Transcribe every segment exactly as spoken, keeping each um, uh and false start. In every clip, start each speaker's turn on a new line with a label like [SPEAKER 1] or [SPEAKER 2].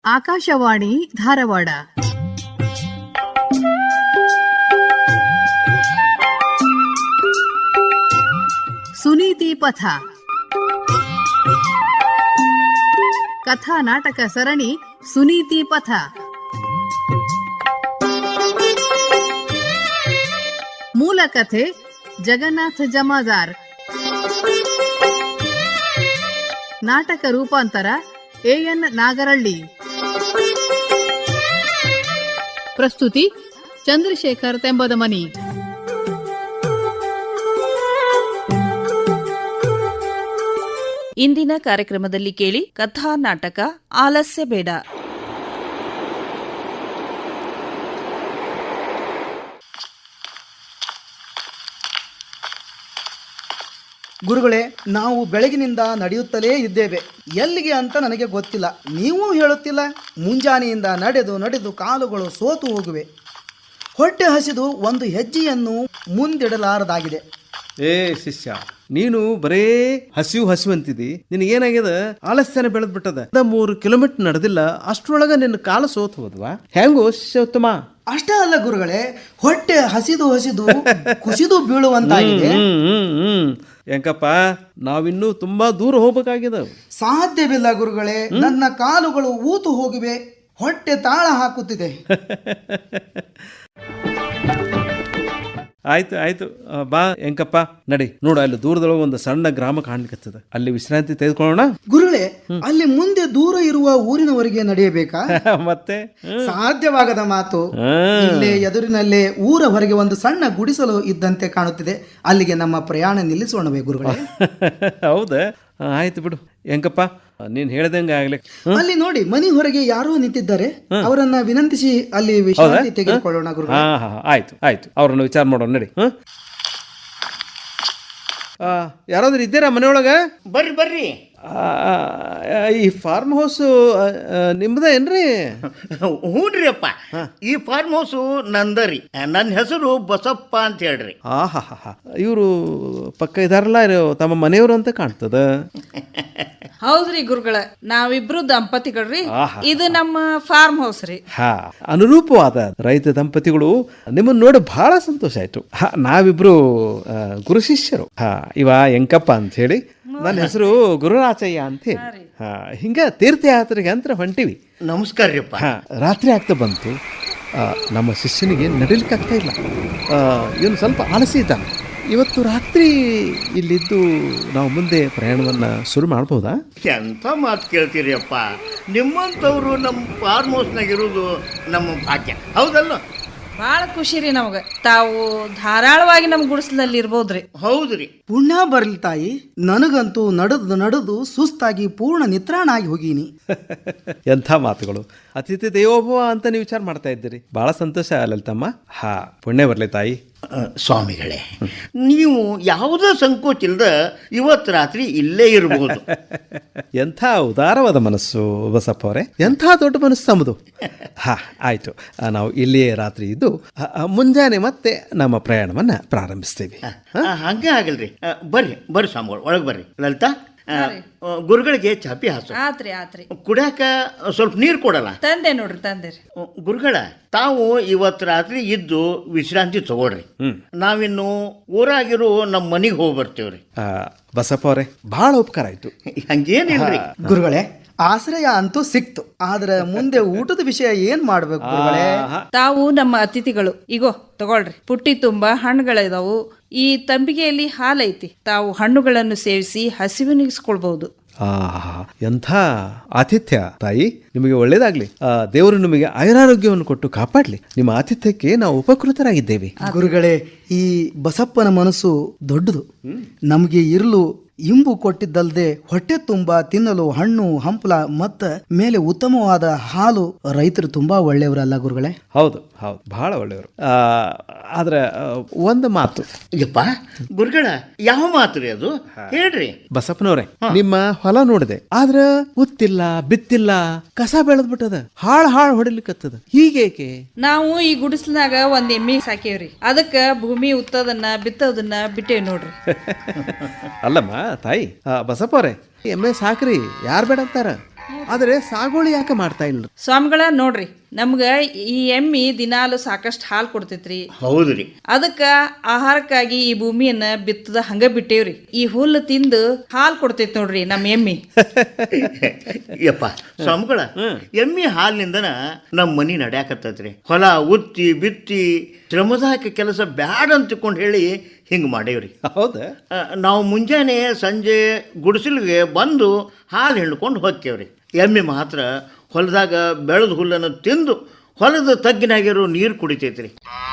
[SPEAKER 1] ಆಕಾಶವಾಣಿ ಧಾರವಾಡ. ಸುನೀತಿ ಪಥ ಕಥಾ ನಾಟಕ ಸರಣಿ ಸುನೀತಿ ಪಥ. ಮೂಲ ಕಥೆ ಜಗನ್ನಾಥ ಜಮಾದಾರ್. ನಾಟಕ ರೂಪಾಂತರ ಎ ಎನ್ ನಾಗರಳ್ಳಿ. ಪ್ರಸ್ತುತಿ ಚಂದ್ರಶೇಖರ್ ತೆಂಬದಮನಿ.
[SPEAKER 2] ಇಂದಿನ ಕಾರ್ಯಕ್ರಮದಲ್ಲಿ ಕೇಳಿ ಕಥಾ ನಾಟಕ ಆಲಸ್ಯ ಬೇಡ.
[SPEAKER 3] ಗುರುಗಳೇ, ನಾವು ಬೆಳಗಿನಿಂದ ನಡೆಯುತ್ತಲೇ ಇದ್ದೇವೆ. ಎಲ್ಲಿಗೆ ಅಂತ ನನಗೆ ಗೊತ್ತಿಲ್ಲ. ನೀವೂ ಹೇಳುತ್ತಿಲ್ಲ. ಮುಂಜಾನೆಯಿಂದ ನಡೆದು ನಡೆದು ಕಾಲುಗಳು ಸೋತು ಹೋಗುವೆ. ಹೊಟ್ಟೆ ಹಸಿದು ಒಂದು ಹೆಜ್ಜೆಯನ್ನು ಮುಂದಿಡಲಾರದಾಗಿದೆ.
[SPEAKER 4] ಏ ಶಿಷ್ಯ, ನೀನು ಬರೇ ಹಸಿವು ಹಸಿವು ಅಂತಿದಿ. ನಿನಗೇನಾಗ್ಯದ? ಆಲಸ್ಯನ ಬೆಳೆದ್ ಬಿಟ್ಟದ. ಮೂರು ಕಿಲೋಮೀಟರ್ ನಡೆದಿಲ್ಲ, ಅಷ್ಟ್ರೊಳಗ ನಿನ್ನ ಕಾಲ ಸೋತು ಹೋದ್ವಾ? ಹೆಂಗೋ ಶಿಷ್ಯೋತ್ತಮ?
[SPEAKER 3] ಅಷ್ಟೇ ಅಲ್ಲ ಗುರುಗಳೇ, ಹೊಟ್ಟೆ ಹಸಿದು ಹಸಿದು ಕುಸಿದು ಬೀಳುವಂತಾಗಿದೆ.
[SPEAKER 4] ಹೆಂಕಪ್ಪ, ನಾವಿನ್ನೂ ತುಂಬಾ ದೂರ ಹೋಗ್ಬೇಕಾಗ್ಯದ.
[SPEAKER 3] ಸಾಧ್ಯವಿಲ್ಲ ಗುರುಗಳೇ, ನನ್ನ ಕಾಲುಗಳು ಊತು ಹೋಗಿವೆ. ಹೊಟ್ಟೆ ತಾಳ ಹಾಕುತ್ತಿದೆ.
[SPEAKER 4] ಆಯ್ತು ಆಯ್ತು, ಬಾ ಹೆಂಕಪ್ಪ, ನಡಿ. ನೋಡು, ಅಲ್ಲಿ ದೂರದೊಳಗೆ ಒಂದು ಸಣ್ಣ ಗ್ರಾಮ ಕಾಣ್ಲಿಕ್ಕತ್ತದ. ಅಲ್ಲಿ ವಿಶ್ರಾಂತಿ ತೆಗೆದುಕೊಳ್ಳೋಣ.
[SPEAKER 3] ಗುರುಗಳೇ, ಅಲ್ಲಿ ಮುಂದೆ ದೂರ ಇರುವ ಊರಿನವರೆಗೆ ನಡೆಯಬೇಕಾ?
[SPEAKER 4] ಮತ್ತೆ
[SPEAKER 3] ಸಾಧ್ಯವಾಗದ ಮಾತು. ಇಲ್ಲೇ ಎದುರಿನಲ್ಲೇ ಊರ ಹೊರಗೆ ಒಂದು ಸಣ್ಣ ಗುಡಿಸಲು ಇದ್ದಂತೆ ಕಾಣುತ್ತಿದೆ. ಅಲ್ಲಿಗೆ ನಮ್ಮ ಪ್ರಯಾಣ ನಿಲ್ಲಿಸೋಣವೇ ಗುರುಗಳೇ?
[SPEAKER 4] ಹೌದಾ? ಆಯ್ತು ಬಿಡು ಹೆಂಕಪ್ಪ, ನೀನ್ ಹೇಳ್ದಂಗೆ ಆಗ್ಲಿ.
[SPEAKER 3] ಅಲ್ಲಿ ನೋಡಿ, ಮನಿ ಹೊರಗೆ ಯಾರೋ ನಿಂತಿದ್ದಾರೆ. ಅವರನ್ನ ವಿನಂತಿಸಿ ಅಲ್ಲಿ ವಿಶ್ರಾಂತಿ ತೆಗೆದುಕೊಳ್ಳೋಣ ಗುರುಗಳೇ.
[SPEAKER 4] ಹಾ ಹಾ ಆಯ್ತು ಆಯ್ತು, ಅವ್ರನ್ನ ವಿಚಾರ ಮಾಡೋಣ ನಡಿ. ಯಾರಾದ್ರೂ ಇದ್ದೀರಾ ಮನೆಯೊಳಗ?
[SPEAKER 5] ಬರ್ರಿ ಬರ್ರಿ.
[SPEAKER 4] ಈ ಫಾರ್ಮ್ ಹೌಸ್ ನಿಮ್ದ ಏನ್ರಿ?
[SPEAKER 5] ಹ್ಞೂನ್ರಿ ಅಪ್ಪ, ಈ ಫಾರ್ಮ್ ಹೌಸ್ ನಂದರಿ. ನನ್ನ ಹೆಸರು ಬಸಪ್ಪ ಅಂತ ಹೇಳ್ರಿ.
[SPEAKER 4] ಆ ಹಾ ಹಾ ಇವರು ಪಕ್ಕ ಇದಾರಲ್ಲ, ತಮ್ಮ ಮನೆಯವರು ಅಂತ ಕಾಣ್ತದ.
[SPEAKER 2] ಹೌದ್ರಿ ಗುರುಗಳ, ನಾವಿಬ್ರು ದಂಪತಿಗಳ್ರಿ. ಇದು ನಮ್ಮ ಫಾರ್ಮ್ ಹೌಸ್ ರೀ.
[SPEAKER 4] ಹಾ, ಅನುರೂಪವಾದ ರೈತ ದಂಪತಿಗಳು. ನಿಮ್ಮನ್ನ ನೋಡಿ ಬಹಳ ಸಂತೋಷ ಆಯ್ತು. ನಾವಿಬ್ರು ಗುರು ಶಿಷ್ಯರು. ಹಾ, ಇವ ಎಂಕಪ್ಪ ಅಂತ ಹೇಳಿ, ನನ್ನ ಹೆಸರು ಗುರುರಾಚಯ್ಯ ಅಂತ ಹೇಳಿ. ಹಾ, ಹಿಂಗ ತೀರ್ಥಯಾತ್ರೆಗೆ ಅಂತ ಹೊಂಟಿವಿ.
[SPEAKER 5] ನಮಸ್ಕಾರ ರೀ ಅಪ್ಪ.
[SPEAKER 4] ಹಾ, ರಾತ್ರಿ ಆಗ್ತಾ ಬಂತು. ನಮ್ಮ ಶಿಷ್ಯನಿಗೆ ನಡಿಲಿಕ್ಕೆ ಆಗ್ತಾ ಇಲ್ಲ. ಇವನು ಸ್ವಲ್ಪ ಆಲಸಿ ಇದ್ದಾನೆ. ಇವತ್ತು ರಾತ್ರಿ ಇಲ್ಲಿದ್ದು ನಾವು ಮುಂದೆ ಪ್ರಯಾಣವನ್ನು ಶುರು ಮಾಡ್ಬೋದಾ?
[SPEAKER 5] ಎಂಥ ಮಾತು ಕೇಳ್ತೀರಿ ಅಪ್ಪ. ನಿಮ್ಮಂಥವ್ರು ನಮ್ಮ ಫಾರ್ಮ್ ಹೌಸ್ನಾಗ ಇರೋದು ನಮ್ಮ ಭಾಗ್ಯ, ಹೌದಲ್ಲ?
[SPEAKER 2] ಭಾಳ ಖುಷಿ ರೀ ನಮ್ಗೆ. ತಾವು ಧಾರಾಳವಾಗಿ ನಮ್ಮ ಗುಡಿಸಲಲ್ಲಿ ಇರ್ಬೋದ್ರಿ.
[SPEAKER 5] ಹೌದ್ರಿ.
[SPEAKER 3] ಪುಣ್ಯ ಬರ್ಲಿ ತಾಯಿ. ನನಗಂತೂ ನಡೆದು ನಡೆದು ಸುಸ್ತಾಗಿ ಪೂರ್ಣ ನಿತ್ರಾಣ ಆಗಿ ಹೋಗೀನಿ.
[SPEAKER 4] ಎಂಥ ಮಾತುಗಳು. ಅತಿಥಿ ದೇವೋಭವ ಅಂತ ನೀವು ವಿಚಾರ ಮಾಡ್ತಾ ಇದ್ದೀರಿ. ಬಹಳ ಸಂತೋಷ ಲಲಿತಮ್ಮ. ಹಾ, ಪುಣ್ಯ ಬರ್ಲಿ ತಾಯಿ.
[SPEAKER 5] ಸ್ವಾಮಿಗಳೇ, ನೀವು ಯಾವುದೇ ಸಂಕೋಚ ಇಲ್ಲದ ಇವತ್ತು ರಾತ್ರಿ ಇಲ್ಲೇ ಇರಬಹುದು.
[SPEAKER 4] ಎಂಥ ಉದಾರವಾದ ಮನಸ್ಸು ಬಸಪ್ಪ ಅವರೇ, ಎಂಥ ದೊಡ್ಡ ಮನಸ್ಸು ತಮ್ಮದು. ಹಾ, ಆಯ್ತು, ನಾವು ಇಲ್ಲಿಯೇ ರಾತ್ರಿ ಇದ್ದು ಮುಂಜಾನೆ ಮತ್ತೆ ನಮ್ಮ ಪ್ರಯಾಣವನ್ನ ಪ್ರಾರಂಭಿಸ್ತೇವೆ.
[SPEAKER 5] ಹಂಗೆ ಆಗಲ್ರಿ. ಬರ್ರಿ ಬರ್ರಿ ಸ್ವಾಮಿಗಳು, ಒಳಗೆ ಬರ್ರಿ. ಲಲಿತಾ, ಗುರುಗಳಿಗೆ ಚಾಪಿ ಹಾಸು.
[SPEAKER 2] ಆತ್ರಿ ಆತ್ರಿ.
[SPEAKER 5] ಕುಡಿಯಾಕ ಸ್ವಲ್ಪ ನೀರು ಕೊಡಲ್ಲ?
[SPEAKER 2] ತಂದೆ ನೋಡ್ರಿ, ತಂದೆ ರೀ.
[SPEAKER 5] ಗುರುಗಳ, ತಾವು ಇವತ್ತು ರಾತ್ರಿ ಇದ್ದು ವಿಶ್ರಾಂತಿ ತಗೊಳ್ರಿ. ನಾವಿನ್ನು ಊರಾಗಿರೋ ನಮ್ಮ ಮನೆಗೆ ಹೋಗಿ ಬರ್ತೇವ್ರಿ.
[SPEAKER 4] ಬಸಪ್ಪ ಅವರೇ, ಬಹಳ ಉಪಕಾರ ಆಯ್ತು.
[SPEAKER 5] ಹಂಗೇನಿಲ್ರಿ
[SPEAKER 3] ಗುರುಗಳೇ, ಆಶ್ರಯ ಅಂತೂ ಸಿಕ್ತು. ಆದ್ರೆ ಮುಂದೆ ಊಟದ ವಿಷಯ ಏನ್ ಮಾಡ್ಬೇಕು ಗುರುಗಳೇ?
[SPEAKER 2] ತಾವು ನಮ್ಮ ಅತಿಥಿಗಳು. ಈಗೋ ತಗೊಳ್ರಿ, ಪುಟ್ಟಿ ತುಂಬಾ ಹಣ್ಣುಗಳಿದಾವು. ಈ ತಂಬಿಗೆಯಲ್ಲಿ ಹಾಲೈತಿ. ತಾವು ಹಣ್ಣುಗಳನ್ನು ಸೇವಿಸಿ ಹಸಿವು ನೀಗಿಸ್ಕೊಳ್ಬಹುದು.
[SPEAKER 4] ಆ ಎಂಥ ಆತಿಥ್ಯ ತಾಯಿ, ನಿಮಗೆ ಒಳ್ಳೇದಾಗ್ಲಿ. ದೇವರು ನಿಮಗೆ ಆಯುರಾರೋಗ್ಯವನ್ನು ಕೊಟ್ಟು ಕಾಪಾಡ್ಲಿ. ನಿಮ್ಮ ಆತಿಥ್ಯಕ್ಕೆ ನಾವು ಉಪಕೃತರಾಗಿದ್ದೇವೆ.
[SPEAKER 3] ಗುರುಗಳೇ, ಈ ಬಸಪ್ಪನ ಮನಸ್ಸು ದೊಡ್ಡದು. ನಮಗೆ ಇರಲು ಇಂಬು ಕೊಟ್ಟಿದ್ದಲ್ಲದೆ ಹೊಟ್ಟೆ ತುಂಬಾ ತಿನ್ನಲು ಹಣ್ಣು ಹಂಪಲ ಮತ್ತ ಮೇಲೆ ಉತ್ತಮವಾದ ಹಾಲು. ರೈತರು ತುಂಬಾ ಒಳ್ಳೆಯವರಲ್ಲ ಗುರುಗಳೇ?
[SPEAKER 4] ಹೌದು ಹೌದು, ಬಹಳ ಒಳ್ಳೆಯವರು. ಆದ್ರೆ ಒಂದು ಮಾತು.
[SPEAKER 5] ಯಪ್ಪ ಗುರುಗಳ, ಯಾವ ಮಾತು ರೀ ಅದು? ಹೇಳ್ರಿ.
[SPEAKER 4] ಬಸಪ್ಪನವ್ರೆ, ನಿಮ್ಮ ಹೊಲ ನೋಡಿದೆ, ಆದ್ರ ಉತ್ತಿಲ್ಲ, ಬಿತ್ತಿಲ್ಲ, ಕಸ ಬೆಳೆದ್ ಬಿಟ್ಟದ, ಹಾಳು ಹಾಳು ಹೊಡಿಲಿಕ್ಕತ್ತದ. ಹೀಗೇಕೆ?
[SPEAKER 2] ನಾವು ಈ ಗುಡಿಸ್ಲಾಗ ಒಂದ್ ಎಮ್ಮಿ ಸಾಕೇವ್ರಿ. ಅದಕ್ಕ ಭೂಮಿ ಉತ್ತದನ್ನ ಬಿತ್ತೋದನ್ನ ಬಿಟ್ಟೇವ್ ನೋಡ್ರಿ.
[SPEAKER 4] ಅಲ್ಲಮ್ಮ ತಾಯಿ, ಬಸಪ್ಪ ಅವ್ರೆ, ಎಮ್ಮೆ ಸಾಕ್ರಿ, ಯಾರು ಬೇಡ ಅಂತಾರ? ಆದರೆ ಸಾಗುವಳಿ ಯಾಕೆ ಮಾಡ್ತಾ ಇಲ್ಲ?
[SPEAKER 2] ಸ್ವಾಮಿಗಳ ನೋಡ್ರಿ, ನಮ್ಗ ಈ ಎಮ್ಮಿ ದಿನಾಲು ಸಾಕಷ್ಟು ಹಾಲು ಕೊಡ್ತೈತ್ರಿ.
[SPEAKER 5] ಹೌದ್ರಿ.
[SPEAKER 2] ಅದಕ್ಕ ಆಹಾರಕ್ಕಾಗಿ ಈ ಭೂಮಿಯನ್ನ ಬಿತ್ತದ ಹಂಗ ಬಿಟ್ಟೇವ್ರಿ. ಈ ಹುಲ್ಲು ತಿಂದು ಹಾಲು ಕೊಡ್ತೈತಿ ನೋಡ್ರಿ ನಮ್ಮ ಎಮ್ಮಿ.
[SPEAKER 5] ಯಪ್ಪ ಸ್ವಾಮಿಗಳ, ಎಮ್ಮಿ ಹಾಲಿನಿಂದನ ನಮ್ಮ ಮನಿ ನಡ್ಯಾಕತ್ತೈತ್ರಿ. ಹೊಲ ಉತ್ತಿ ಬಿತ್ತಿ ಶ್ರಮದಾಯಕ ಕೆಲಸ ಬ್ಯಾಡ ಅಂತಕೊಂಡು ಹೇಳಿ ಹಿಂಗೆ ಮಾಡೇವ್ರಿ.
[SPEAKER 4] ಹೌದಾ?
[SPEAKER 5] ನಾವು ಮುಂಜಾನೆ ಸಂಜೆ ಗುಡಿಸಲಿಗೆ ಬಂದು ಹಾಲು ಹಿಂಡ್ಕೊಂಡು ಹೋಗ್ತೇವ್ರಿ. ಎಮ್ಮೆ ಮಾತ್ರ ಹೊಲದಾಗ ಬೆಳೆದ ಹುಲ್ಲನ್ನು ತಿಂದು ಹೊಲದ ತಗ್ಗಿನಾಗಿರೋ ನೀರು ಕುಡಿತೈತ್ರಿ.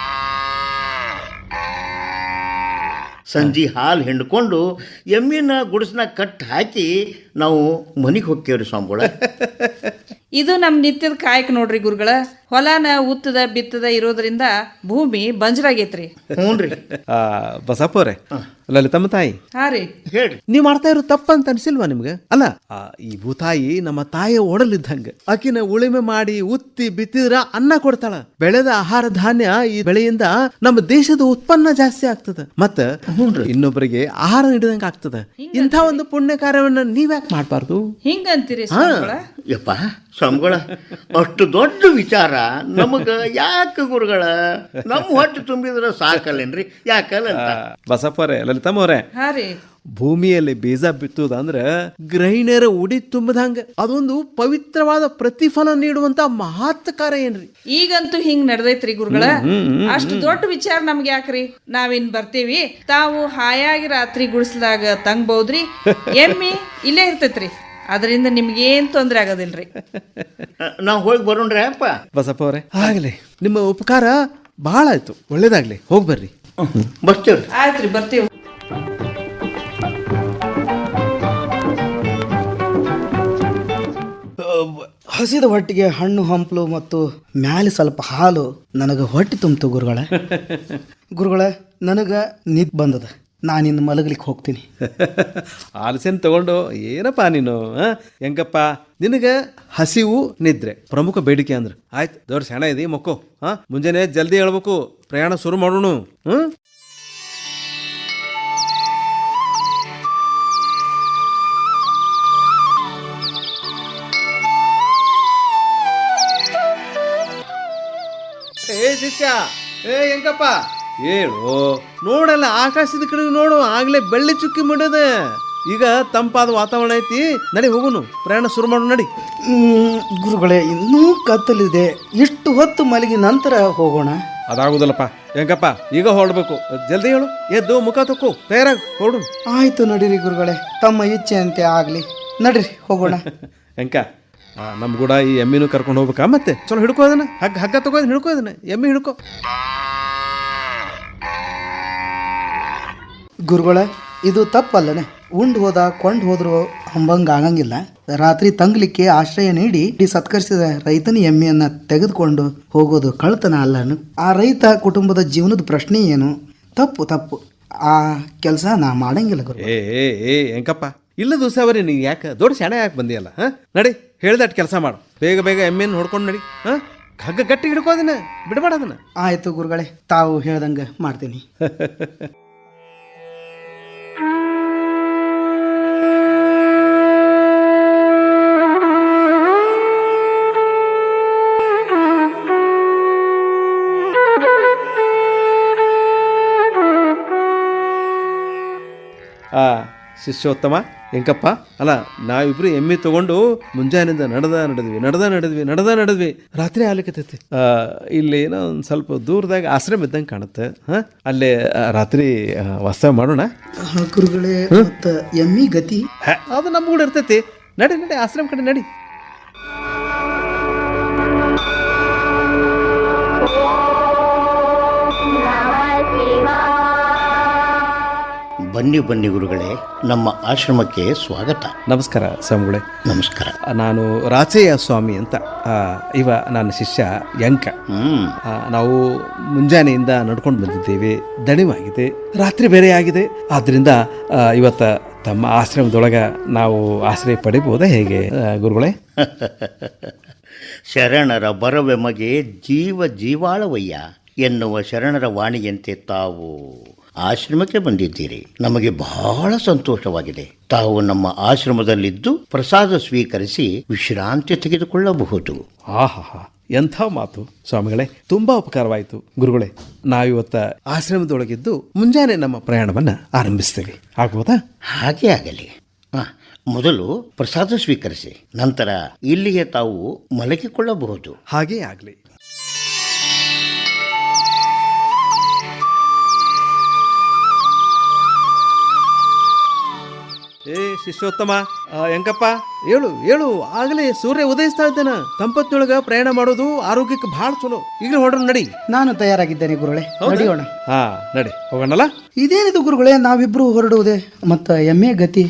[SPEAKER 5] ಸಂಜೆ ಹಾಲು ಹಿಂಡ್ಕೊಂಡು ಎಮ್ಮಿನ ಗುಡಿಸ್ನ ಕಟ್ ಹಾಕಿ ನಾವು ಮನೆಗೆ ಹೋಗ್ತೇವ್ರಿ ಸ್ವಾಮಿಗಳ.
[SPEAKER 2] ಇದು ನಮ್ಮ ನಿತ್ಯದ ಕಾಯಕ ನೋಡ್ರಿ ಗುರುಗಳ. ಹೊಲನ ಉತ್ತದ ಬಿತ್ತದ ಇರೋದ್ರಿಂದ ಭೂಮಿ ಬಂಜರಾಗೈತ್ರಿ.
[SPEAKER 5] ಹ್ಞೂ ರೀ.
[SPEAKER 4] ಬಸಪ್ಪ ಅವ್ರೆ, ಲಲಿತಮ್ಮ ತಾಯಿ,
[SPEAKER 2] ಹಾ ರೀ,
[SPEAKER 5] ಹೇಳ್ರಿ.
[SPEAKER 4] ನೀವ್ ಮಾಡ್ತಾ ಇರೋ ತಪ್ಪಂತ ಅನ್ಸಿಲ್ವಾ ನಿಮ್ಗೆ? ಅಲ್ಲ, ಆ, ಈ ಭೂತಾಯಿ ನಮ್ಮ ತಾಯಿಯ ಒಡಲಿದ್ದಂಗ. ಆಕಿನ ಉಳಿಮೆ ಮಾಡಿ ಉತ್ತಿ ಬಿತ್ತಿದ್ರ ಅನ್ನ ಕೊಡ್ತಾಳ. ಬೆಳೆದ ಆಹಾರ ಧಾನ್ಯ ಈ ಬೆಳೆಯಿಂದ ನಮ್ಮ ದೇಶದ ಉತ್ಪನ್ನ ಜಾಸ್ತಿ ಆಗ್ತದ, ಮತ್ತ ಇನ್ನೊಬ್ಬರಿಗೆ ಆಹಾರ ನೀಡಿದಂಗ ಆಗ್ತದ. ಇಂಥ ಒಂದು ಪುಣ್ಯ ಕಾರ್ಯವನ್ನ ನೀವ್ಯಾಕೆ ಮಾಡ್ಬಾರ್ದು?
[SPEAKER 2] ಹಿಂಗಂತೀರಿ ಸ್ವಾಮಿಗಳ?
[SPEAKER 5] ಯಪ್ಪ ಸ್ವಾಮಿಗಳ, ಅಷ್ಟು ದೊಡ್ಡ ವಿಚಾರ ನಮಗ ಯಾಕೆ ಗುರುಗಳ? ನಮ್ಮ ಹೊಟ್ಟೆ ತುಂಬಿದ್ರೆ ಸಾಕಲ್ಲೇನ್ರಿ? ಯಾಕಲ್ಲ ಅಂತ.
[SPEAKER 4] ಬಸಪ್ಪರೇ, ಲಲಿತಮ್ಮ ಅವರೇ,
[SPEAKER 2] ಹಾ ರೀ,
[SPEAKER 4] ಭೂಮಿಯಲ್ಲಿ ಬೀಜ ಬಿತ್ತುದಂದ್ರ ಗೃಹಿಣಿಯರ ಉಡಿ ತುಂಬದಂಗ ಅದೊಂದು ಪವಿತ್ರವಾದ ಪ್ರತಿಫಲ ನೀಡುವಂತ ಮಹತ್ ಕಾರ್ಯ ಏನ್ರಿ.
[SPEAKER 2] ಈಗಂತೂ ಹಿಂಗ್ ನಡ್ದೈತ್ರಿ ಗುರುಗಳ. ಅಷ್ಟು ದೊಡ್ಡ ವಿಚಾರ ನಮ್ಗೆ ಯಾಕ್ರಿ? ನಾವಿನ್ ಬರ್ತೀವಿ, ತಾವು ಹಾಯಾಗಿ ರಾತ್ರಿ ಗುಡಿಸ್ಲಾಗ ತಂಗ್ಬಹುದ್ರಿ. ಎಮ್ಮಿ ಇಲ್ಲೇ ಇರ್ತೈತ್ರಿ, ಅದರಿಂದ ನಿಮ್ಗೇನ್ ತೊಂದ್ರೆ ಆಗೋದಿಲ್ರಿ.
[SPEAKER 5] ನಾವು ಹೋಗಿ ಬರೋಣ್ರಿ ಅಪ್ಪ.
[SPEAKER 4] ಬಸಪ್ಪ ಅವರೇ, ಆಗ್ಲಿ, ನಿಮ್ಮ ಉಪಕಾರ ಬಹಳ ಆಯ್ತು, ಒಳ್ಳೇದಾಗ್ಲಿ, ಹೋಗಿ ಬರ್ರಿ.
[SPEAKER 5] ಬರ್ತೇವ್ರಿ.
[SPEAKER 2] ಆಯ್ತ್ರಿ, ಬರ್ತೀವಿ.
[SPEAKER 3] ಹಸಿದ ಹೊಟ್ಟಿಗೆ ಹಣ್ಣು ಹಂಪಲು ಮತ್ತು ಮ್ಯಾಲೆ ಸ್ವಲ್ಪ ಹಾಲು ನನಗೆ ಹೊಟ್ಟೆ ತುಂಬಿತು ಗುರುಗಳ. ಗುರುಗಳ, ನನಗೆ ನಿದ್ ಬಂದದ, ನಾನಿಂದ ಮಲಗಲಿಕ್ಕೆ ಹೋಗ್ತೀನಿ.
[SPEAKER 4] ಆಲಸ್ಯನ್ ತಗೊಂಡು ಏನಪ್ಪ ನೀನು? ಹೆಂಗಪ್ಪ, ನಿನಗ ಹಸಿವು ನಿದ್ರೆ ಪ್ರಮುಖ ಬೇಡಿಕೆ ಅಂದ್ರೆ ಆಯ್ತು. ದೊಡ್ಡ ಸೆಣ ಇದೆ, ಮಕ್ಕೋ. ಹಾ, ಮುಂಜಾನೆ ಜಲ್ದಿ ಹೇಳ್ಬೇಕು, ಪ್ರಯಾಣ ಶುರು ಮಾಡೋಣ. ಹ್ಮ್ ಏ ಶಿಷ್ಯ, ಏ ಹೆಂಗಪ್ಪ, ಹೇಳು. ನೋಡಲ್ಲ, ಆಕಾಶದ ಕಡೆ ನೋಡು, ಆಗ್ಲೇ ಬೆಳ್ಳಿ ಚುಕ್ಕಿ ಮಾಡದ. ಈಗ ತಂಪಾದ ವಾತಾವರಣ ಐತಿ, ನಡಿ ಹೋಗುನು, ಪ್ರಯಾಣ ಶುರು ಮಾಡು, ನಡಿ.
[SPEAKER 3] ಗುರುಗಳೇ, ಇನ್ನೂ ಕತ್ತಲಿದೆ, ಇಷ್ಟು ಹೊತ್ತು ಮಲಗಿ ನಂತರ ಹೋಗೋಣ.
[SPEAKER 4] ಅದಾಗುದಲ್ಲಪ್ಪ ಹೆಂಗಪ್ಪ, ಈಗ ಹೊರಡ್ಬೇಕು. ಜಲ್ದಿ ಹೇಳು, ಎದ್ದು ಮುಖ ತೊಕ್ಕು, ತಯಾರಾಗಿ ಹೊರಡು.
[SPEAKER 3] ಆಯ್ತು ನಡೀರಿ ಗುರುಗಳೇ, ತಮ್ಮ ಇಚ್ಛೆ ಅಂತೆ ಆಗ್ಲಿ, ನಡ್ರಿ ಹೋಗೋಣ.
[SPEAKER 4] ಹೆಂಕ, ನಮ್ ಕೂಡ ಈ ಎಮ್ಮಿನೂ ಕರ್ಕೊಂಡು ಹೋಗ್ಬೇಕಾ? ಮತ್ತೆ ಚಲೋ ಹಿಡ್ಕೋ, ಅದನ್ನ ಹಗ್ಗ ಹಗ್ಗ ತಗೋ, ಹಿಡ್ಕೋ, ಅದನ್ನ ಎಮ್ಮಿ ಹಿಡ್ಕೋ.
[SPEAKER 3] ಗುರುಗಳ, ಇದು ತಪ್ಪಲ್ಲನೆ? ಉಂಡು ಹೋದ ಕೊಂಡು ಹೋದ್ರು ಅಂಬಂಗ ಆಗಂಗಿಲ್ಲ. ರಾತ್ರಿ ತಂಗ್ಲಿಕ್ಕೆ ಆಶ್ರಯ ನೀಡಿ ಸತ್ಕರಿಸಿದ ರೈತನ ಎಮ್ಮೆಯನ್ನ ತೆಗೆದುಕೊಂಡು ಹೋಗೋದು ಕಳ್ತನ ಅಲ್ಲನು? ಆ ರೈತ ಕುಟುಂಬದ ಜೀವನದ ಪ್ರಶ್ನೆ ಏನು? ತಪ್ಪು ತಪ್ಪು, ಆ ಕೆಲಸ ನಾ ಮಾಡಂಗಿಲ್ಲ ಗುರು.
[SPEAKER 4] ಏ ಏ ಏ ಹೆಂಕಪ್ಪ, ಇಲ್ಲ ದಿವಸವರಿ, ನೀ ಯಾಕೆ ದೊಡ್ಡ ಶಾಣೆ ಯಾಕೆ ಬಂದಿಯಲ್ಲ? ಹಾ, ನಡಿ, ಹೇಳ್ದಟ್ ಕೆಲಸ ಮಾಡು, ಬೇಗ ಬೇಗ ಎಮ್ಮೆಯನ್ನು ಹೊಡ್ಕೊಂಡು ನಡಿ. ಹಾ, ಹಗ್ಗ ಗಟ್ಟಿ ಹಿಡ್ಕೋದಿನ, ಬಿಡಬೇಡ ಅದನ್ನ.
[SPEAKER 3] ಆಯ್ತು ಗುರುಗಳೇ, ತಾವು ಹೇಳ್ದಂಗೆ ಮಾಡ್ತೀನಿ.
[SPEAKER 4] ಆ ಶಿಷ್ಯೋತ್ತಮ, ಹೆಂಕಪ್ಪ, ಅಲ್ಲ, ನಾವಿಬ್ರು ಎಮ್ಮೆ ತಗೊಂಡು ಮುಂಜಾನೆಯಿಂದ ನಡೆದ ನಡೆದ್ವಿ ನಡೆದ ನಡೆದ್ವಿ ನಡೆದ ನಡೆದ್ವಿ ರಾತ್ರಿ ಆಗ್ಲಿಕ್ಕತ್ತೈತಿ. ಇಲ್ಲಿ ಏನೋ ಒಂದು ಸ್ವಲ್ಪ ದೂರದಾಗ ಆಶ್ರಮ ಇದ್ದಂಗೆ ಕಾಣುತ್ತೆ. ಹಾಂ, ಅಲ್ಲೇ ರಾತ್ರಿ ವಾಸ ಮಾಡೋಣ.
[SPEAKER 3] ಗುರುಗಳೇ, ಮತ್ತು ಎಮ್ಮಿ ಗತಿ
[SPEAKER 4] ಅದು ನಮ್ಮ ಕೂಡ ಇರ್ತೈತಿ. ನಡಿ ನಡಿ, ಆಶ್ರಮ ಕಡೆ ನಡಿ.
[SPEAKER 5] ಬನ್ನಿ ಬನ್ನಿ ಗುರುಗಳೇ, ನಮ್ಮ ಆಶ್ರಮಕ್ಕೆ ಸ್ವಾಗತ.
[SPEAKER 4] ನಮಸ್ಕಾರ ಸ್ವಾಮಿಗಳೇ.
[SPEAKER 5] ನಮಸ್ಕಾರ.
[SPEAKER 4] ನಾನು ರಾಚಯ್ಯ ಸ್ವಾಮಿ ಅಂತ, ಇವ ನನ್ನ ಶಿಷ್ಯ ಯಂಕ.
[SPEAKER 5] ಹ್ಮ್
[SPEAKER 4] ನಾವು ಮುಂಜಾನೆಯಿಂದ ನಡ್ಕೊಂಡು ಬಂದಿದ್ದೇವೆ, ದಣಿವಾಗಿದೆ, ರಾತ್ರಿ ಬೇರೆ ಆಗಿದೆ. ಆದ್ರಿಂದ ಇವತ್ತ ತಮ್ಮ ಆಶ್ರಮದೊಳಗ ನಾವು ಆಶ್ರಯ ಪಡಿಬೋದಾ ಹೇಗೆ ಗುರುಗಳೇ?
[SPEAKER 5] ಶರಣರ ಬರವೆಮಗೆ ಜೀವ ಜೀವಾಳವಯ್ಯ ಎನ್ನುವ ಶರಣರ ವಾಣಿಯಂತೆ ತಾವು ಆಶ್ರಮಕ್ಕೆ ಬಂದಿದ್ದೀರಿ. ನಮಗೆ ಬಹಳ ಸಂತೋಷವಾಗಿದೆ. ತಾವು ನಮ್ಮ ಆಶ್ರಮದಲ್ಲಿದ್ದು ಪ್ರಸಾದ ಸ್ವೀಕರಿಸಿ ವಿಶ್ರಾಂತಿ ತೆಗೆದುಕೊಳ್ಳಬಹುದು.
[SPEAKER 4] ಆಹಾ, ಎಂಥ ಮಾತು ಸ್ವಾಮಿಗಳೇ, ತುಂಬಾ ಉಪಕಾರವಾಯಿತು ಗುರುಗಳೇ. ನಾವಿವತ್ತ ಆಶ್ರಮದೊಳಗಿದ್ದು ಮುಂಜಾನೆ ನಮ್ಮ ಪ್ರಯಾಣವನ್ನ ಆರಂಭಿಸ್ತೇವೆ, ಆಗ್ಬೋದಾ?
[SPEAKER 5] ಹಾಗೆ ಆಗಲಿ. ಹಾ, ಮೊದಲು ಪ್ರಸಾದ ಸ್ವೀಕರಿಸಿ, ನಂತರ ಇಲ್ಲಿಗೆ ತಾವು ಮಲಗಿಕೊಳ್ಳಬಹುದು.
[SPEAKER 4] ಹಾಗೇ ಆಗಲಿ. ಏ ಶಿಷ್ಯೋತ್ತಮ, ಆ, ಎಂಕಪ್ಪ ಹೇಳು ಹೇಳು, ಆಗಲೇ ಸೂರ್ಯ ಉದಯಿಸ್ತಾ ಇದ್ದಾನ. ತಂಪತ್ತಿನೊಳಗ ಪ್ರಯಾಣ ಮಾಡೋದು ಆರೋಗ್ಯಕ್ಕೆ ಬಹಳ ಚಲೋ. ಈಗ ಹೊಡ್ರ ನಡಿ.
[SPEAKER 3] ನಾನು ತಯಾರಾಗಿದ್ದೇನೆ ಗುರುಗಳೇ, ನಡೆಯೋಣ.
[SPEAKER 4] ಹಾ ನಡಿ, ಹೋಗೋಣಲ್ಲ.
[SPEAKER 3] ಇದೇನಿದು ಗುರುಗಳೇ, ನಾವಿಬ್ರು ಹೊರಡುವುದೇ, ಮತ್ತ ಎಮ್ಮೆ ಗತಿ?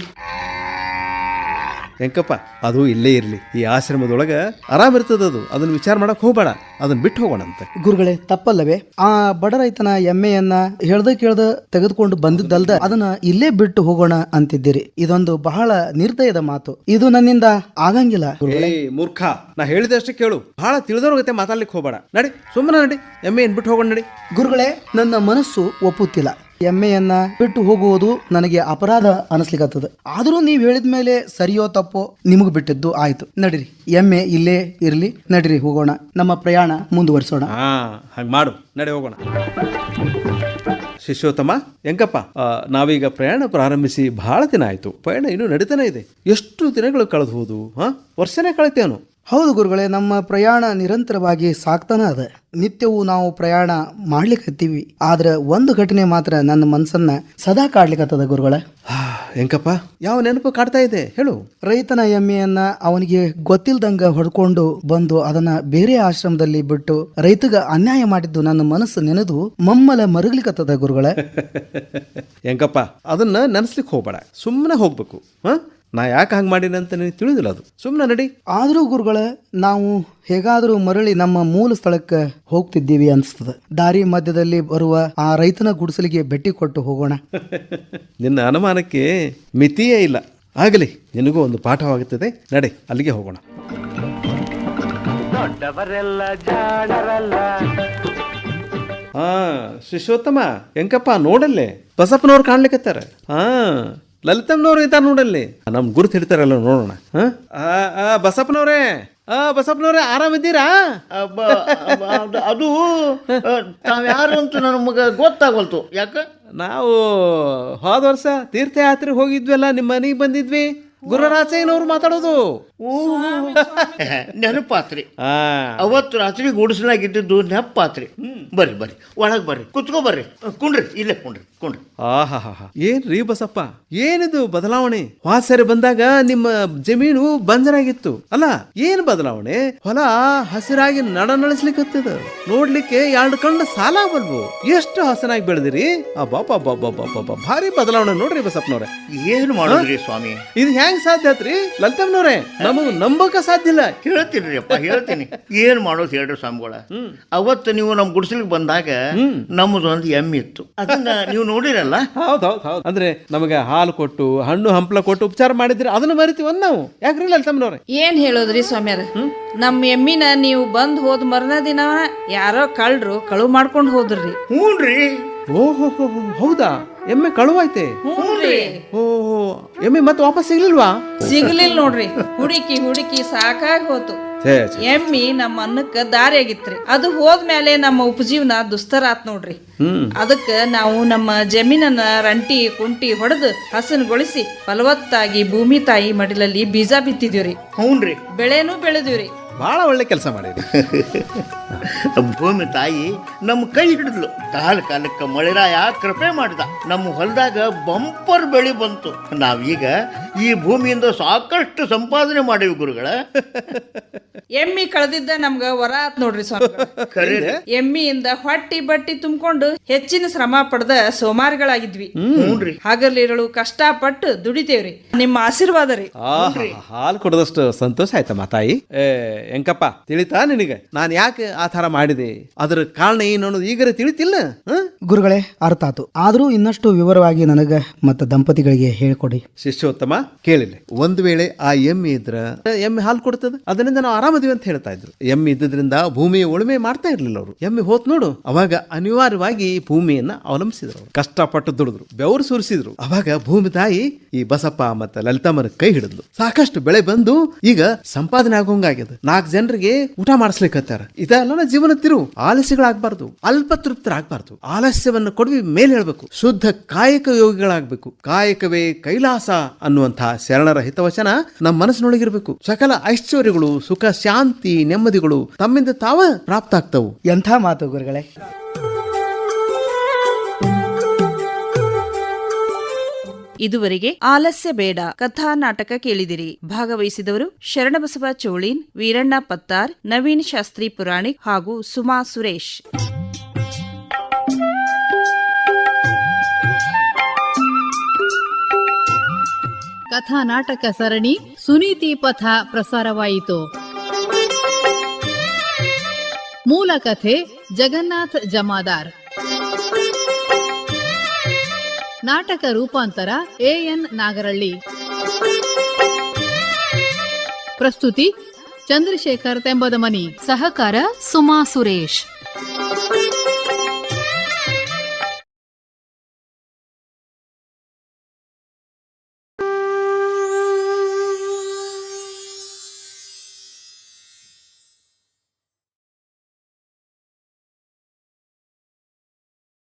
[SPEAKER 4] ಎಂಕಪ್ಪ, ಅದು ಇಲ್ಲೇ ಇರ್ಲಿ. ಈ ಆಶ್ರಮದೊಳಗ ಆರಾಮ್ ಇರ್ತದ, ಅದು ಅದನ್ನ ವಿಚಾರ ಮಾಡಕ್ ಹೋಗ್ಬೇಡ, ಅದನ್ನ ಬಿಟ್ಟು ಹೋಗೋಣಂತೆ.
[SPEAKER 3] ಗುರುಗಳೇ, ತಪ್ಪಲ್ಲವೇ? ಆ ಬಡ ರೈತನ ಎಮ್ಮೆಯನ್ನ ಹೇಳ್ದ ಕೇಳ್ದ ತೆಗೆದುಕೊಂಡು ಬಂದಿದ್ದಲ್ದ ಅದನ್ನ ಇಲ್ಲೇ ಬಿಟ್ಟು ಹೋಗೋಣ ಅಂತಿದ್ದೀರಿ. ಇದೊಂದು ಬಹಳ ನಿರ್ದಯದ ಮಾತು. ಇದು ನನ್ನಿಂದ ಆಗಂಗಿಲ್ಲ.
[SPEAKER 4] ಏ ಮೂರ್ಖ, ನಾ ಹೇಳಿದಷ್ಟೇ ಕೇಳು. ಬಹಳ ತಿಳಿದವ್ರ ಗತೆ ಮಾತಾಡ್ಲಿಕ್ಕೆ ಹೋಗ್ಬೇಡ. ನಡಿ, ಸುಮ್ಮನೆ ನಡಿ, ಎಮ್ಮೆ ಏನ್ ಬಿಟ್ಟು ಹೋಗೋಣ ನಡಿ.
[SPEAKER 3] ಗುರುಗಳೇ, ನನ್ನ ಮನಸ್ಸು ಒಪ್ಪುತ್ತಿಲ್ಲ. ಎಮ್ಮೆಯನ್ನ ಬಿಟ್ಟು ಹೋಗುವುದು ನನಗೆ ಅಪರಾಧ ಅನಿಸ್ಲಿಕ್ಕತ್ತದ. ಆದರೂ ನೀವು ಹೇಳಿದ ಮೇಲೆ ಸರಿಯೋ ತಪ್ಪೋ ನಿಮಗ್ ಬಿಟ್ಟಿದ್ದು ಆಯ್ತು. ನಡಿರಿ, ಎಮ್ಮೆ ಇಲ್ಲೇ ಇರ್ಲಿ. ನಡಿರಿ, ಹೋಗೋಣ, ನಮ್ಮ ಪ್ರಯಾಣ ಮುಂದುವರಿಸೋಣ.
[SPEAKER 4] ಹಾ, ಹಂಗ ಮಾಡು, ನಡಿ ಹೋಗೋಣ. ಶಿಷ್ಯೋತ್ತಮ, ಎಂಕಪ್ಪ, ಆ, ನಾವೀಗ ಪ್ರಯಾಣ ಪ್ರಾರಂಭಿಸಿ ಬಹಳ ದಿನ ಆಯ್ತು. ಪ್ರಯಾಣ ಇನ್ನೂ ನಡೀತಾನೆ ಇದೆ. ಎಷ್ಟು ದಿನಗಳು ಕಳೆದು ಹೋದು? ಹಾ, ವರ್ಷನೇ ಕಳಿತೇನು?
[SPEAKER 3] ಹೌದು ಗುರುಗಳೇ, ನಮ್ಮ ಪ್ರಯಾಣ ನಿರಂತರವಾಗಿ ಸಾಕ್ತಾನ ಅದ. ನಿತ್ಯವೂ ನಾವು ಪ್ರಯಾಣ ಮಾಡ್ಲಿಕ್ಕತ್ತೀವಿ. ಆದ್ರೆ ಒಂದು ಘಟನೆ ಮಾತ್ರ ನನ್ನ ಮನಸ್ಸನ್ನ ಸದಾ ಕಾಡ್ಲಿಕ್ಕತ್ತದ ಗುರುಗಳೇ.
[SPEAKER 4] ಎಂಕಪ್ಪ, ಯಾವ ನೆನಪು ಕಾಡ್ತಾ ಇದೆ ಹೇಳು.
[SPEAKER 3] ರೈತನ ಎಮ್ಮೆಯನ್ನ ಅವನಿಗೆ ಗೊತ್ತಿಲ್ದಂಗ ಹೊಡ್ಕೊಂಡು ಬಂದು ಅದನ್ನ ಬೇರೆ ಆಶ್ರಮದಲ್ಲಿ ಬಿಟ್ಟು ರೈತಗ ಅನ್ಯಾಯ ಮಾಡಿದ್ದು ನನ್ನ ಮನಸ್ಸು ನೆನೆದು ಮಮ್ಮಲ ಮರುಗ್ಲಿಕ್ಕತ್ತದ ಗುರುಗಳೇ.
[SPEAKER 4] ಎಂಕಪ್ಪ, ಅದನ್ನ ನೆನೆಸ್ಲಿಕ್ಕೆ ಹೋಗ್ಬೇಡ, ಸುಮ್ಮನೆ ಹೋಗ್ಬೇಕು. ಹಾ, ನಾ ಯಾಕೆ ಹಂಗೆ ಮಾಡೀನಿ ಅಂತ ನಿನಗೆ ತಿಳಿದಿಲ್ಲ, ಅದು ಸುಮ್ಮನೆ ನಡಿ.
[SPEAKER 3] ಆದರೂ ಗುರುಗಳೇ, ನಾವು ಹೇಗಾದರೂ ಮರಳಿ ನಮ್ಮ ಮೂಲ ಸ್ಥಳಕ್ಕೆ ಹೋಗ್ತಿದ್ದೀವಿ ಅನ್ಸ್ತದ. ದಾರಿ ಮಧ್ಯದಲ್ಲಿ ಬರುವ ಆ ರೈತನ ಗುಡಿಸಲಿಗೆ ಭೇಟಿ ಕೊಟ್ಟು ಹೋಗೋಣ.
[SPEAKER 4] ನಿನ್ನ ಅನುಮಾನಕ್ಕೆ ಮಿತಿಯೇ ಇಲ್ಲ. ಆಗಲಿ, ನಿನಗೂ ಒಂದು ಪಾಠವಾಗುತ್ತದೆ. ನಡೆ, ಅಲ್ಲಿಗೆ ಹೋಗೋಣ. ಹಾ ಶಿಷ್ಯೋತ್ತಮ, ಎಂಕಪ್ಪ ನೋಡಲ್ಲೇ ಬಸಪ್ಪನವ್ರು ಕಾಣ್ಲಿಕ್ಕತ್ತಾರ. ಹಾ, ಲಲಿತಮ್ಮನವ್ರು ಇದ್ದಾರೆ ನೋಡಲ್ಲಿ. ನಮ್ ಗುರುತು ಹಿಡಿತಾರಲ್ಲ, ನೋಡೋಣ. ಹಾ, ಬಸಪ್ಪನವ್ರೇ, ಆ ಬಸಪ್ಪನವ್ರೆ, ಆರಾಮಿದ್ದೀರಾ?
[SPEAKER 5] ಅಬ್ಬ, ಅಬ್ಬ, ಅದು- ಅದು ತಾವ್ ಯಾರು ಅಂತ ನಮಗ ಗೊತ್ತಾಗಲ್ತು. ಯಾಕ?
[SPEAKER 4] ನಾವು ಹೋದ ವರ್ಷ ತೀರ್ಥಯಾತ್ರೆ ಹೋಗಿದ್ವಲ್ಲ, ನಿಮ್ಮ ಮನೆಗೆ ಬಂದಿದ್ವಿ. ಗುರುರಾಚಯ್ಯನವ್ರು ಮಾತಾಡೋದು.
[SPEAKER 5] ನೆನಪಾತ್ರಿ.
[SPEAKER 4] ಆ
[SPEAKER 5] ಅವತ್ತು ರಾತ್ರಿ ಗುಡಿಸಲಾಗಿದ್ದು ನೆನಪಾತ್ರಿ. ಬರ್ರಿ ಬರ್ರಿ, ಒಳಗ್ ಬರ್ರಿ, ಕುತ್ಕೋ ಬರ್ರಿ, ಕುಂಡ್ರಿ, ಇಲ್ಲೇ ಕುಂಡ್ರಿ ಕುಂಡ್ರಿ.
[SPEAKER 4] ಆಹಾ, ಏನ್ರೀ ಬಸಪ್ಪ, ಏನಿದು ಬದಲಾವಣೆ? ಹೋದ ಸರಿ ಬಂದಾಗ ನಿಮ್ಮ ಜಮೀನು ಬಂಜರಾಗಿತ್ತು ಅಲ್ಲ, ಏನ್ ಬದಲಾವಣೆ? ಹೊಲ ಹಸಿರಾಗಿ ನಡ ನಳಿಸ್ಲಿಕ್ಕತ್ತದ. ನೋಡ್ಲಿಕ್ಕೆ ಎರಡು ಕಣ್ಣು ಸಾಲ ಬಲ್ವು. ಎಷ್ಟು ಹಸನಾಗಿ ಬೆಳೆದಿರಿ. ಅಬ್ಬಾ, ಭಾರಿ ಬದಲಾವಣೆ ನೋಡ್ರಿ ಬಸಪ್ಪನವ್ರೆ.
[SPEAKER 5] ಏನ್ ಮಾಡೋದ್ರಿ ಸ್ವಾಮಿ?
[SPEAKER 4] ಇದು ಹೆಂಗ್ ಸಾಧ್ಯ ಆತ್ರಿ ಲಲಿತಮ್ಮನವ್ರೆ? ನಮಗ್ ನಂಬಕ ಸಾಧ್ಯ ಇಲ್ಲ.
[SPEAKER 5] ಹೇಳ್ತೀನಿ ಅಪ್ಪ, ಹೇಳ್ತೀನಿ. ಏನ್ ಮಾಡೋದು ಹೇಳ್ರಿ ಸ್ವಾಮಿಗಳ. ಅವತ್ತು ನೀವು ನಮ್ ಗುಡಿಸಲಿಗೆ ಬಂದಾಗ ನಮ್ಮದು ಒಂದು ಎಮ್ಮೆ ಇತ್ತು, ಅದನ್ನ ನೀವು ನೋಡಿರಲ್ಲ.
[SPEAKER 4] ಹೌದ್ ಹೌದ್ ಹೌದ್ ಅಂದ್ರೆ ನಮಗೆ ಹಾಲು ಕೊಟ್ಟು ಹಣ್ಣು ಹಂಪಲ ಕೊಟ್ಟು ಉಪಚಾರ ಮಾಡಿದ್ರಿ, ಅದನ್ನ ಮರಿತೀವಿ ನಾವು. ಯಾಕ್ರಿ ಲಲಿತಮ್ಮನವ್ರೆ?
[SPEAKER 2] ಏನ್ ಹೇಳೋದ್ರಿ ಸ್ವಾಮ್ಯಾರ, ನಮ್ಮ ಎಮ್ಮಿನ ನೀವು ಬಂದ್ ಹೋದ್ ಮರನ ದಿನ ಯಾರೋ ಕಳ್ರು ಕಳು ಮಾಡ್ಕೊಂಡ್ ಹೋದ್ರಿ.
[SPEAKER 5] ಹ್ಞೂನ್ರಿ.
[SPEAKER 4] ಓಹೋ, ಹೌದಾ? ಎಮ್ಮೆ ಕಳುವಾಯ್ತೆ?
[SPEAKER 2] ಹ್ಞೂನ್ರಿ.
[SPEAKER 4] ಓಹೋ, ಎಮ್ಮೆ ಮತ್ತೆ ವಾಪಸ್ ಸಿಗ್ಲಿಲ್ವಾ?
[SPEAKER 2] ಸಿಗ್ಲಿಲ್ಲ ನೋಡ್ರಿ. ಹುಡುಕಿ ಹುಡುಕಿ ಸಾಕಾಗಿ ಹೋತು.
[SPEAKER 4] ಛೇ, ಛೇ.
[SPEAKER 2] ಎಮ್ಮಿ ನಮ್ಮ ಅನ್ನಕ್ಕ ದಾರಿ ಆಗಿತ್ರಿ. ಅದು ಹೋದ್ಮೇಲೆ ನಮ್ಮ ಉಪಜೀವನ ದುಸ್ತರ ಆತ್ ನೋಡ್ರಿ. ಅದಕ್ಕ ನಾವು ನಮ್ಮ ಜಮೀನನ್ನ ರಂಟಿ ಕುಂಟಿ ಹೊಡೆದು ಹಸನ್ಗೊಳಿಸಿ ಫಲವತ್ತಾಗಿ ಭೂಮಿ ತಾಯಿ ಮಡಿಲಲ್ಲಿ ಬೀಜ ಬಿತ್ತಿದೀವ್ರಿ.
[SPEAKER 5] ಹ್ಞೂನ್ರಿ.
[SPEAKER 2] ಬೆಳೆನೂ ಬೆಳೆದಿವ್ರಿ.
[SPEAKER 4] ಬಹಳ ಒಳ್ಳೆ ಕೆಲಸ ಮಾಡಿದ್ರಿ.
[SPEAKER 5] ಭೂಮಿ ತಾಯಿ ನಮ್ಮ ಕೈ ಹಿಡಿದ್ಲು. ಕಾಲ ಕಾಲಕ್ಕೆ ಮಳೆರಾಯ ಕೃಪೆ ಮಾಡಿದ. ನಮ್ಮ ಹೊಲದಾಗ ಬಂಪರ್ ಬೆಳಿ ಬಂತು. ನಾವೀಗ ಈ ಭೂಮಿಯಿಂದ ಸಾಕಷ್ಟು ಸಂಪಾದನೆ ಮಾಡೀವಿ ಗುರುಗಳ.
[SPEAKER 2] ಎಮ್ಮಿ ಕಳೆದಿದ್ದ ನಮ್ಗ ವರ ಆತ್ ನೋಡ್ರಿ ಸ್ವಾಮಿ.
[SPEAKER 5] ಖರೆ.
[SPEAKER 2] ಎಮ್ಮಿಯಿಂದ ಹೊಟ್ಟಿ ಬಟ್ಟಿ ತುಂಬಿಕೊಂಡು ಹೆಚ್ಚಿನ ಶ್ರಮ ಪಡೆದ ಸೋಮಾರಿಗಳಾಗಿದ್ವಿ.
[SPEAKER 5] ಹ್ಞೂನ್ರಿ.
[SPEAKER 2] ಹಗಲಿರಳು ಕಷ್ಟಪಟ್ಟು ದುಡಿತೇವ್ರಿ. ನಿಮ್ಮ ಆಶೀರ್ವಾದ ರೀ.
[SPEAKER 4] ಹಾಲು ಕೊಡದಷ್ಟು ಸಂತೋಷ ಆಯ್ತಮ್ಮ ತಾಯಿ. ಏ ಎಂಕಪ್ಪ, ತಿಳಿತಾ ನಿನಗೆ ನಾನು ಯಾಕೆ ಆ ತರ ಮಾಡಿದೆ? ಅದ್ರ ಕಾರಣ ಏನು ಅನ್ನೋದು ಈಗರೆ ತಿಳಿತಿಲ್ಲ?
[SPEAKER 3] ಗುರುಗಳೇ, ಅರ್ಥ ಆತು. ಆದ್ರೂ ಇನ್ನಷ್ಟು ವಿವರವಾಗಿ ನನಗ ಮತ್ತು ದಂಪತಿಗಳಿಗೆ ಹೇಳ್ಕೊಡಿ.
[SPEAKER 4] ಶಿಷ್ಯೋತ್ತಮ, ಕೇಳಿಲ್ಲ, ಒಂದು ವೇಳೆ ಆ ಎಮ್ಮೆ ಇದ್ರ ಎಮ್ಮೆ ಹಾಲು ಕೊಡ್ತದ, ಅದರಿಂದ ನಾವು ಆರಾಮದಿವಿ ಅಂತ ಹೇಳ್ತಾ ಇದ್ರು. ಎಮ್ಮೆ ಇದ್ದದ್ರಿಂದ ಭೂಮಿಯ ಉಳುಮೆ ಮಾಡ್ತಾ ಇರ್ಲಿಲ್ಲ ಅವರು. ಎಮ್ಮೆ ಹೋತ್ ನೋಡು, ಅವಾಗ ಅನಿವಾರ್ಯವಾಗಿ ಭೂಮಿಯನ್ನ ಅವಲಂಬಿಸಿದ್ರು ಅವರು. ಕಷ್ಟಪಟ್ಟು ದುಡಿದ್ರು, ಬೆವರು ಸುರಿಸಿದ್ರು. ಅವಾಗ ಭೂಮಿ ತಾಯಿ ಈ ಬಸಪ್ಪ ಮತ್ತೆ ಲಲಿತಮ್ಮನ ಕೈ ಹಿಡಿದ್ಲು. ಸಾಕಷ್ಟು ಬೆಳೆ ಬಂದು ಈಗ ಸಂಪಾದನೆ ಆಗೋಂಗಾಗ್ಯದ. ನಾಲ್ಕು ಜನರಿಗೆ ಊಟ ಮಾಡಿಸ್ಲಿಕ್ಕತ್ತಾರ. ಇದೆಲ್ಲ ಜೀವನ ತಿರುವು. ಆಲಸ್ಯಗಳಾಗಬಾರ್ದು, ಅಲ್ಪ ತೃಪ್ತರಾಗಬಾರ್ದು. ಆಲಸ್ಯವನ್ನು ಕೊಡ್ವಿ ಮೇಲೆ ಹೇಳ್ಬೇಕು. ಶುದ್ಧ ಕಾಯಕ ಯೋಗಿಗಳಾಗಬೇಕು. ಕಾಯಕವೇ ಕೈಲಾಸ ಅನ್ನುವಂತಹ ಶರಣರ ಹಿತವಚನ ನಮ್ಮ ಮನಸ್ಸಿನೊಳಗಿರ್ಬೇಕು. ಸಕಲ ಐಶ್ವರ್ಯಗಳು, ಸುಖ, ಶಾಂತಿ, ನೆಮ್ಮದಿಗಳು ತಮ್ಮಿಂದ ತಾವ ಪ್ರಾಪ್ತ ಆಗ್ತವು.
[SPEAKER 3] ಎಂಥ ಮಾತು ಗುರುಗಳೇ.
[SPEAKER 2] ಇದುವರೆಗೆ ಆಲಸ್ಯ ಬೇಡ ಕಥಾ ನಾಟಕ ಕೇಳಿದಿರಿ. ಭಾಗವಹಿಸಿದವರು ಶರಣಬಸವ ಚೋಳೀನ್, ವೀರಣ್ಣ ಪತ್ತಾರ್, ನವೀನ್ ಶಾಸ್ತ್ರಿ ಪುರಾಣಿಕ್ ಹಾಗೂ ಸುಮಾ ಸುರೇಶ್.
[SPEAKER 1] ಕಥಾ ನಾಟಕ ಸರಣಿ ಸುನೀತಿ ಪಥ ಪ್ರಸಾರವಾಯಿತು. ಮೂಲ ಕಥೆ ಜಗನ್ನಾಥ್ ಜಮಾದಾರ್. ನಾಟಕ ರೂಪಾಂತರ ಎ ಎನ್ ನಾಗರಳ್ಳಿ. ಪ್ರಸ್ತುತಿ ಚಂದ್ರಶೇಖರ್ ತೆಂಬದಮನಿ.
[SPEAKER 6] ಸಹಕಾರ ಸುಮಾ ಸುರೇಶ್.